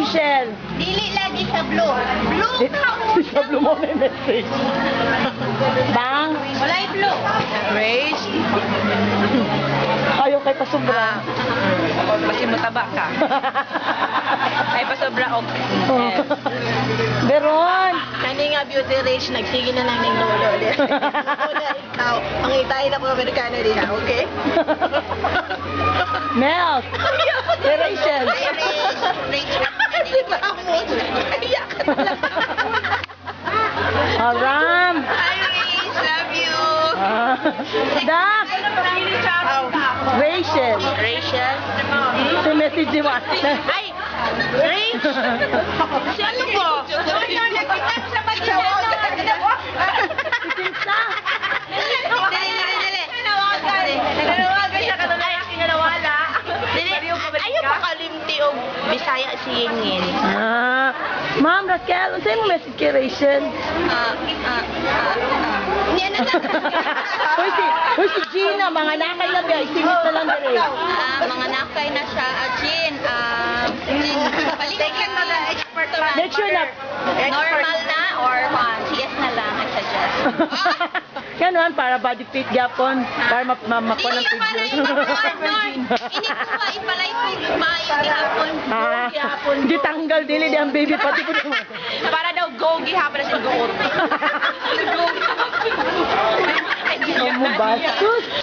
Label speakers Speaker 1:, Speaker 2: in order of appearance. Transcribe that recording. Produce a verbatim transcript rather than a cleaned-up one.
Speaker 1: Rachel.
Speaker 2: Dili lagi sa blue. Blue ka mo.
Speaker 1: Sa blue mo may message. Bang.
Speaker 2: Walay blue.
Speaker 3: Rage.
Speaker 1: Ayaw kay pasobra.
Speaker 3: Kasi mataba ka. Ay, pasobra og.
Speaker 1: Oh. Beron.
Speaker 2: Kani nga beauty rage, nagsige na lang ng lolo. Una ikaw, pangitain na po Amerikano diha, okay?
Speaker 1: Mel. Hey, Rachel.
Speaker 2: Hi, Rage. Rage, di ba mo? Kaya ka talaga.
Speaker 1: Aram.
Speaker 2: Hi, Rage. Love you.
Speaker 1: Ah. Dak. Rachel.
Speaker 2: Rachel?
Speaker 1: Si message di ba?
Speaker 2: Ay! Rage! Si ano po? Nagkitan sa pagkakano.
Speaker 1: Itinsa.
Speaker 2: Dili, dili, dili. Nanawagan. Nanawagan siya ka na lalaki na nawala. Dili, ayaw pa kalimti o Bisaya singin.
Speaker 1: Ah. Ma'am Raquel, unsay mo message kay Rachel?
Speaker 2: Ah, ah, ah, ah. Yan na lang.
Speaker 1: Hoy si, hoy si Gina, mga nakay na biya, isingit na lang dire.
Speaker 2: Ah, mga nakay na siya. Ah, Jean, ah, Jean, balikan mo na expert na.
Speaker 1: Make sure na.
Speaker 2: Normal na or one? Yes na lang, I suggest.
Speaker 1: Kanuan para body fit gapon, para map mapako ng
Speaker 2: Dili pala
Speaker 1: figure.
Speaker 2: yung Norn. Ini ko ba ipalay ko maayo gihapon.
Speaker 1: Ah, gitanggal dili di ang baby pati ko.
Speaker 3: Para daw go gihapon na siya goot.
Speaker 1: Amo bastos.